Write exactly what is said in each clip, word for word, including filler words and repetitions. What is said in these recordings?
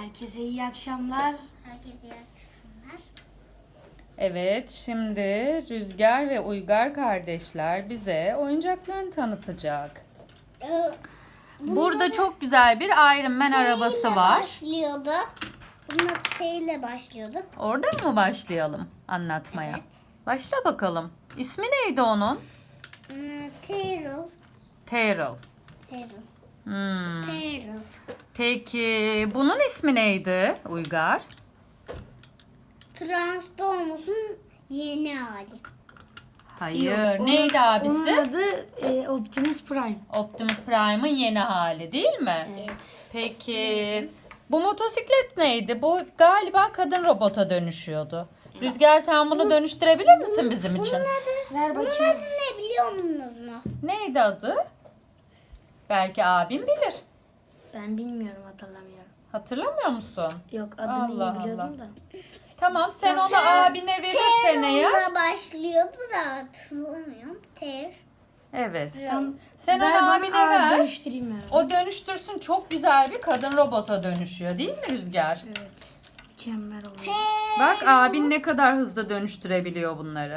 Herkese iyi akşamlar. Herkese iyi akşamlar. Evet, şimdi Rüzgar ve Uygar kardeşler bize oyuncaklarını tanıtacak. Ee, Burada çok güzel bir Iron Man arabası var. Başlıyordu. Bununla T ile başlıyordu. Oradan mı başlayalım anlatmaya? Evet. Başla bakalım. İsmi neydi onun? Hmm, Terrell. Terrell. Terrell. Hmm. Terrell. Peki bunun ismi neydi Uygar? Transformers'un yeni hali. Hayır. Onun- neydi Onun abisi? adı e, Optimus Prime. Optimus Prime'ın yeni hali değil mi? Evet. Peki bu motosiklet neydi? Bu galiba kadın robota dönüşüyordu. Rüzgar sen bunu dönüştürebilir misin bizim için? Bunun adı, Ver bunun bakayım. adı ne biliyor musunuz mu? Neydi adı? Belki abim bilir. Ben bilmiyorum, hatırlamıyorum. Hatırlamıyor musun? Yok, adını Allah iyi biliyordum Allah. da. Tamam sen onu abine verirsen eğer. Terrell'la başlıyordu da hatırlamıyorum. Ter. Evet. Tam Sen ver onu bana, abine aa, ver. Dönüştüreyim ben. O dönüştürsün, çok güzel bir kadın robota dönüşüyor değil mi Rüzgar? Evet. Mükemmel oluyor. Bak abin ne kadar hızlı dönüştürebiliyor bunları.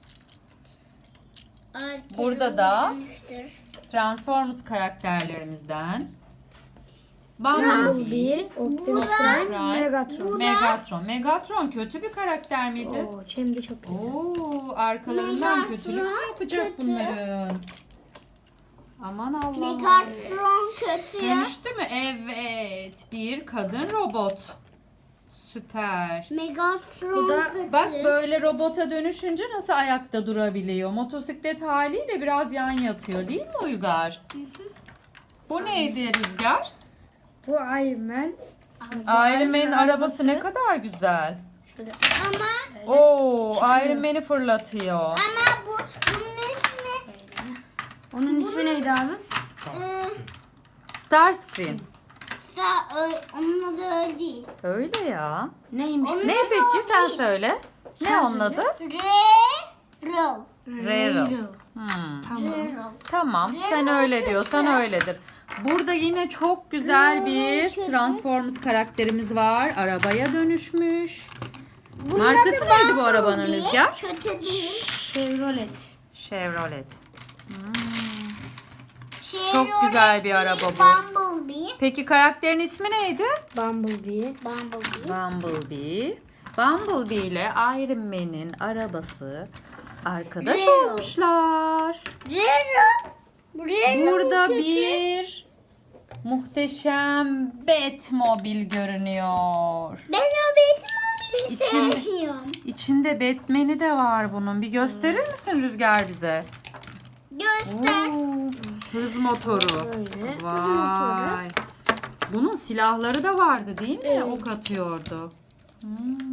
Terrell'ı Burada da- dönüştür. Transformers karakterlerimizden. Bumblebee, Bumblebee, Optimus Prime, Prime, Megatron. Megatron. Megatron kötü bir karakter miydi? Oo, hem de çok kötü. Oo, arkalarından Megatron kötülük mü yapacak kötü. bunların? Aman Allah'ım. Megatron kötü ya. Dönüştü mü? Evet. Bir kadın robot. Süper. Megatron Bu da- kötü. Bak böyle robota dönüşünce nasıl ayakta durabiliyor? Motosiklet haliyle biraz yan yatıyor değil mi Uygar? Bu neydi Rüzgar? Bu Iron Man. Iron Man'in arabası ne kadar güzel. Şöyle Ama Oo, Çıkıyor. Iron Man'i fırlatıyor. ama bu bunun ismi Onun ismi neydi abi? ıı, Starscream. da ö- onun adı öyle değil. Öyle ya. Neymiş? Onun Ne adı peki o sen değil. söyle. Ne Sen onun söyle. adı? Rarel. Rarel. Hmm. Tamam. Rarel. Tamam sen öyle diyorsan öyledir. Burada yine çok güzel bir Transformers karakterimiz var. Arabaya dönüşmüş. Bunun Markası adı neydi bu arabanın Bumblebee. Rüzgar? Kötü değil. Chevrolet. Chevrolet. Hmm. Chevrolet güzel bir değil, araba bu. Bumblebee. Peki karakterin ismi neydi? Bumblebee. Bumblebee. Bumblebee. Bumblebee ile Iron Man'in arabası arkadaş Rarel. olmuşlar. Rarel. Rarel Burada kötü. bir muhteşem Batmobile görünüyor. Ben o Batmobile'i İçinde- sevmiyorum. İçinde Batman'i de var bunun. Bir gösterir misin Rüzgar bize? Göster. Oo, hız motoru. Böyle. Vay. Bunun silahları da vardı değil mi? Evet. Ok atıyordu. Hmm,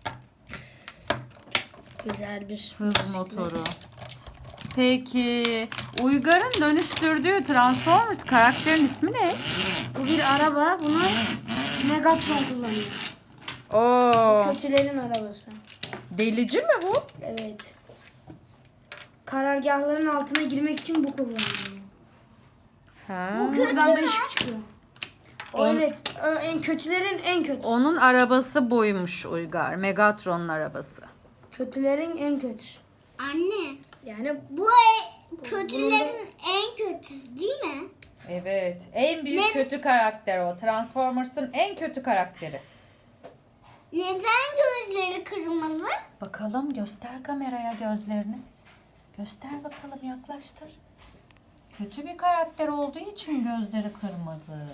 Güzel bir hız motoru. Peki Uygar'ın dönüştürdüğü Transformers karakterin ismi ne? Bu bir araba. Bunu Megatron kullanıyor. Oo, Kötülerin arabası. delici mi bu? Evet. Karargahların altına girmek için bu kullanılıyor. Ha. Buradan da ışık çıkıyor. O evet. ö- En kötülerin en kötüsü. Onun arabası buymuş Uygar. Megatron'un arabası. Kötülerin en kötüsü. Anne. Yani Bu e- kötülerin en kötüsü değil mi? Evet. En büyük Ne- kötü karakter o. Transformers'ın en kötü karakteri. Neden gözleri kırmızı? Bakalım göster kameraya gözlerini. Göster bakalım yaklaştır. Kötü bir karakter olduğu için gözleri kırmızı.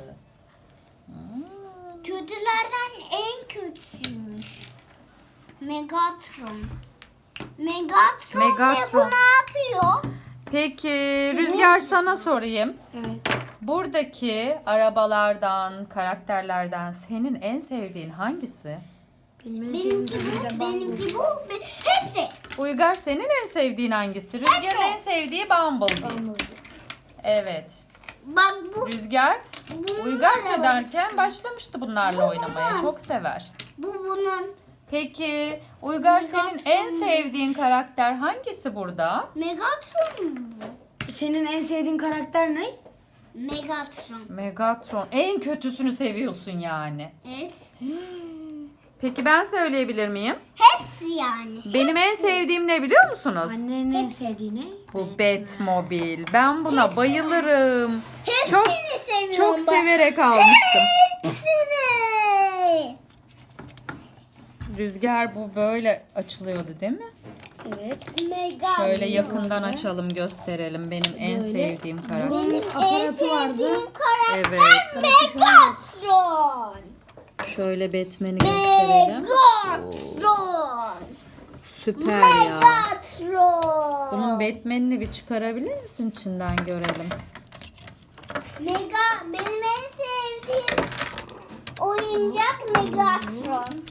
Hmm. Kötülerden en kötüsüymüş. Megatron. Megatron, Megatron. ve bu ne yapıyor? Peki Rüzgar sana sorayım. evet. Buradaki arabalardan, karakterlerden senin en sevdiğin hangisi? Benimki bu, benimki bu. be- Hepsi. Uygar senin en sevdiğin hangisi? Rüzgar'ın en sevdiği Bumblebee. Bumblebee. Evet. Bak bu. Rüzgar bunun Uygar arabası. ederken başlamıştı bunlarla Bu oynamaya. bunun. Çok sever. Bu bunun. Peki Uygar senin en sevdiğin karakter hangisi burada? Megatron mu bu? Senin en sevdiğin karakter ne? Megatron. Megatron. En kötüsünü seviyorsun yani. Evet. Peki ben söyleyebilir miyim? Hepsi yani. Benim en sevdiğim ne biliyor musunuz? Annenin en sevdiği ne? Bu Batmobile. Ben buna bayılırım. Hepsini Çok seviyorum çok ben. severek almıştım. Hepsini. Rüzgar bu böyle açılıyordu değil mi? Evet. Mega. Şöyle yakından açalım, gösterelim. Benim en Böyle. sevdiğim karakter. Benim en aparatı vardı. sevdiğim karakter Evet. Megatron. Şöyle Batman'i gösterelim. Megatron. Süper ya. Megatron. Bunun Batman'ini bir çıkarabilir misin içinden görelim. Mega benim en sevdiğim oyuncak Megatron.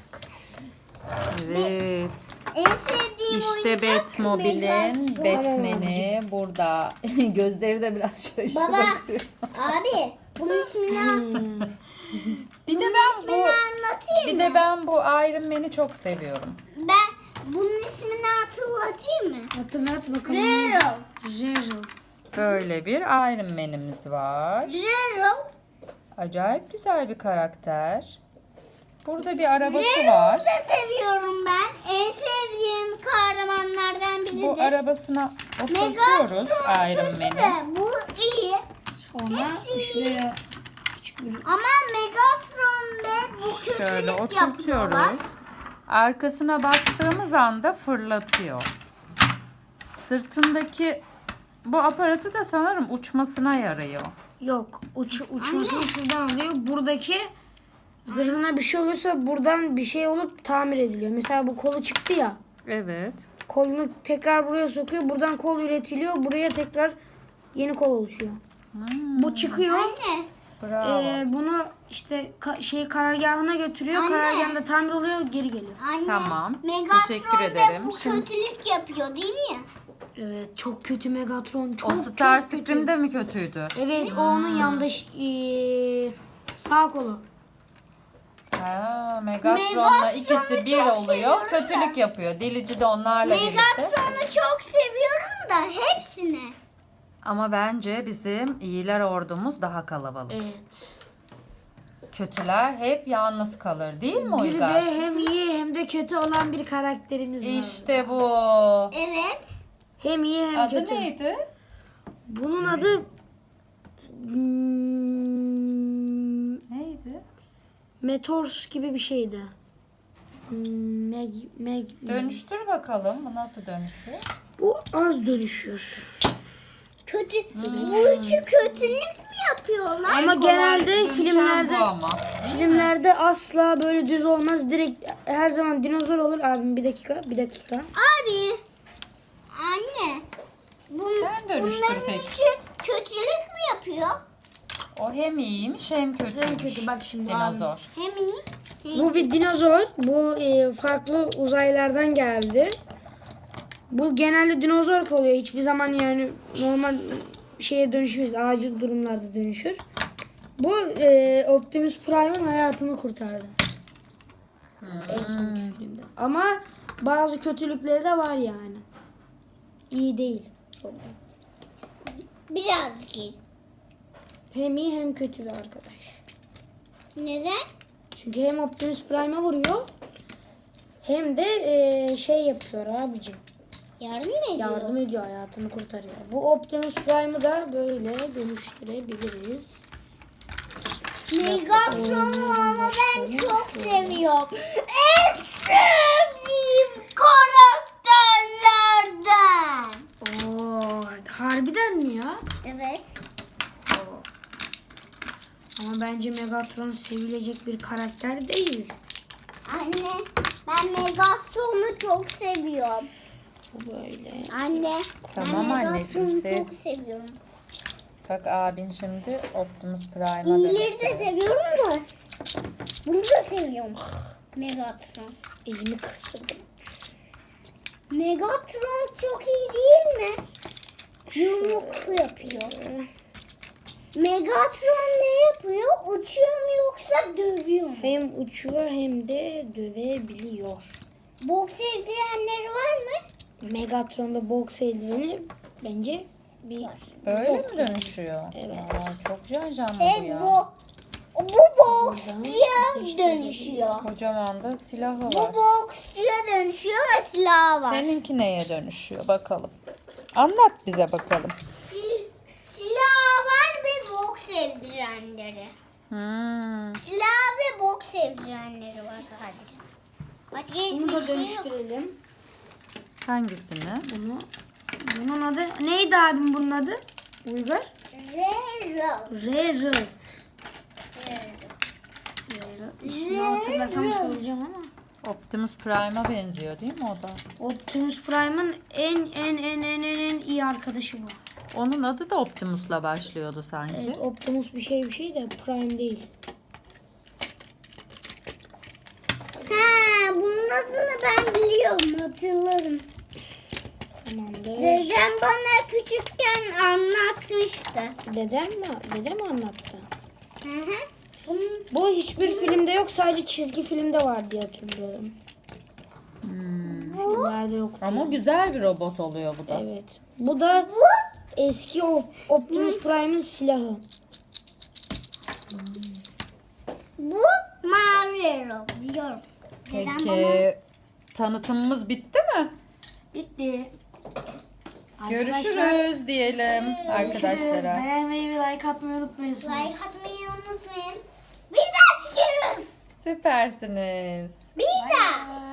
Evet. En sevdiğim İşte oyuncak Batmobile'in Megatron. Batman'i burada. Gözleri de biraz şaşırıyor. Baba, abi bunun ismini Hmm. Bir de bunun ben ismini bu anlatayım bir mı? de ben bu Iron Man'i çok seviyorum. Ben bunun ismini hatırlatayım mı? Hatırlat bakalım. Zero. Zero. Böyle bir Iron Man'imiz var. Zero. Acayip güzel bir karakter. Burada bir arabası Zero'yu var. da seviyorum ben. En sevdiğim kahramanlardan biridir. Bu arabasına oturtuyoruz Megatron Iron kötü Man'i. de bu iyi. Sonra Hepsi şuraya küçük bir Ama Megatron ve bu kötülük Şöyle yapıyorlar. oturtuyoruz. Arkasına baktığımız anda fırlatıyor. Sırtındaki bu aparatı da sanırım uçmasına yarıyor. yok. Uç, uçmasını şuradan alıyor. Buradaki zırhına bir şey olursa buradan bir şey olup tamir ediliyor. Mesela bu kolu çıktı ya. Evet. Kolunu tekrar buraya sokuyor. Buradan kol üretiliyor. Buraya tekrar yeni kol oluşuyor. Hmm, Bu çıkıyor. Anne. bravo. Ee, bunu işte ka- şey karargahına götürüyor. Anne. Karargahında tamir oluyor, geri geliyor. Anne. Tamam, Megatron teşekkür da ederim. bu Şimdi- kötülük yapıyor değil mi? Evet, çok kötü Megatron. Çok o Star çok kötü. Scream de mi kötüydü? Evet, o onun yandaş ee, sağ kolu. Ha, Megatron'la Megatron'u ikisi bir çok oluyor. seviyorum Kötülük yapıyor. Delici de onlarla birlikte. Megatron'u çok seviyorum da hepsini. Ama bence bizim iyiler ordumuz daha kalabalık. Evet. Kötüler hep yalnız kalır değil mi Bir de Uygar? hem iyi hem de kötü olan bir karakterimiz var. İşte bu. Evet. Hem iyi hem Adı kötü. neydi? Bunun adı hmm, Neydi? Meteors gibi bir şeydi. Hmm, Meg, Meg, Dönüştür bakalım. Bu nasıl dönüşüyor? Bu az dönüşüyor. Kötü. Hmm. Bu üçü kötülük mü yapıyorlar? Ama En kolay genelde dönüşen filmlerde- bu ama. Filmlerde asla böyle düz olmaz. Direkt her zaman dinozor olur. Abim bir dakika, bir dakika. Abi. Anne. Bun, Sen dönüştür bunların peki. üçü kötülük mü yapıyor? O hem iyiymiş hem kötüymüş. En kötü bak şimdi. Dinozor. Hem iyi. Hem Bu bir dinozor. Bu e, farklı uzaylardan geldi. Bu genelde dinozor kalıyor. Hiçbir zaman yani normal şeye dönüşmez. Acil durumlarda dönüşür. Bu e, Optimus Prime'ın hayatını kurtardı. En sonki filmde. Ama bazı kötülükleri de var yani. İyi değil. birazcık iyi. Hem iyi hem kötü bir arkadaş. Neden? Çünkü hem Optimus Prime'a vuruyor hem de e, şey yapıyor abicim. Yardım mı ediyor? Yardım ediyor, hayatını kurtarıyor. Bu Optimus Prime'ı da böyle dönüştürebiliriz. Megatron'u ama ben çok seviyorum. En sevdiğim karakterlerden. Oo, harbiden mi ya? Evet. Ama bence Megatron sevilecek bir karakter değil. Anne ben Megatron'u çok seviyorum. Bu böyle. Anne Tamam ben anneciğim, Megatron'u sev. çok seviyorum. Bak abin şimdi Optimus Prime'a İyileri de dönüştü. seviyorum da bunu da seviyorum. Megatron. Elimi kıstırdım. Megatron çok iyi değil mi? Yumruk yapıyor. Megatron ne yapıyor? Uçuyor mu yoksa dövüyor mu? Hem uçuyor hem de dövebiliyor. Boks eldivenleri var mı? Megatron'da boks eldiveni bence bir Öyle mi dönüşüyor? Evet. Aa, çok can canlı bu Evet ya. bu Bu boksçuya dönüşüyor. Kocaman da silahı Bu var. boksçuya dönüşüyor ve silahı var. Seninki neye dönüşüyor bakalım. Anlat bize bakalım. Si- silahı var ve boks evdirenleri. Hmm. Silah ve boks evdirenleri var sadece. Başka Bunu da hiçbir şey yok. dönüştürelim. Hangisini? Bunu. Bunun adı neydi abim bunun adı? Uygar? Rero. Rare. Rero. İsmini hatırlasam söyleyeceğim ama. Optimus Prime'a benziyor değil mi o da? Optimus Prime'ın en en en en en en iyi arkadaşı bu. Onun adı da Optimus'la başlıyordu sanki. Evet, Optimus bir şey bir şey de Prime değil. Ha, bunun adını ben biliyorum, hatırlarım. Tamamdır. Dedem bana küçükken anlatmıştı. Dedem mi? Dedem mi anlattı? Hı hı. Bunun Bu hiçbir filmde yok, sadece çizgi filmde var diye hatırlıyorum. Hmm. Filmlerde yoktu. Ama güzel bir robot oluyor bu da. Evet. Bu da eski Op- Optimus Prime'ın silahı. bu mavi Rero, biliyorum. Dedem bana Peki tanıtımımız bitti mi? Bitti. Görüşürüz diyelim arkadaşlara. Beğenmeyi ve like atmayı unutmuyorsunuz. like atmayı unutmayın. Bir daha çıkıyoruz. Süpersiniz. Bir daha.